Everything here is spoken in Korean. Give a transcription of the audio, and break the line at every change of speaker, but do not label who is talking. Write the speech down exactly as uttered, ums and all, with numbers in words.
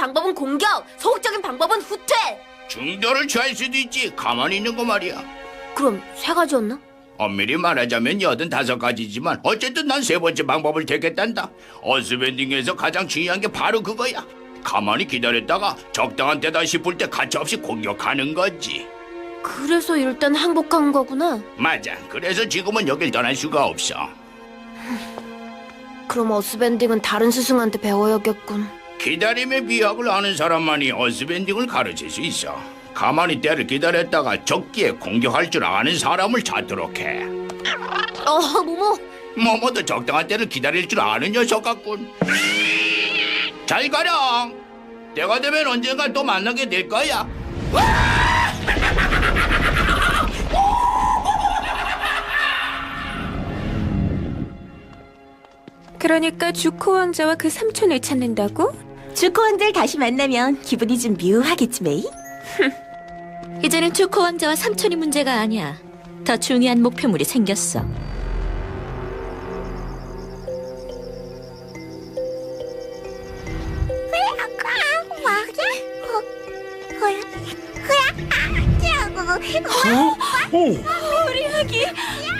방법은 공격, 소극적인 방법은 후퇴.
중도를 취할 수도 있지. 가만히 있는 거 말이야.
그럼 세 가지였나?
엄밀히 말하자면 여든 다섯 가지지만 어쨌든 난 세 번째 방법을 택했단다. 어스밴딩에서 가장 중요한 게 바로 그거야. 가만히 기다렸다가 적당한 때다 싶을 때 가차없이 공격하는 거지.
그래서 일단 항복한 거구나.
맞아. 그래서 지금은 여길 떠날 수가 없어.
그럼 어스밴딩은 다른 스승한테 배워야겠군.
기다림의 비약을 아는 사람만이 어스밴딩을 가르칠 수 있어. 가만히 때를 기다렸다가 적기에 공격할 줄 아는 사람을 찾도록 해.
어, 모모.
뭐뭐도 적당한 때를 기다릴 줄 아는 녀석 같군. 잘 가렴. 때가 되면 언젠가 또 만나게 될 거야.
그러니까 주코 왕자와 그 삼촌을 찾는다고?
주코 왕자를 다시 만나면 기분이 좀 묘하겠지, 메이?
이제는 주코 왕자와 삼촌이 문제가 아니야. 더 중요한 목표물이 생겼어.
우리 아기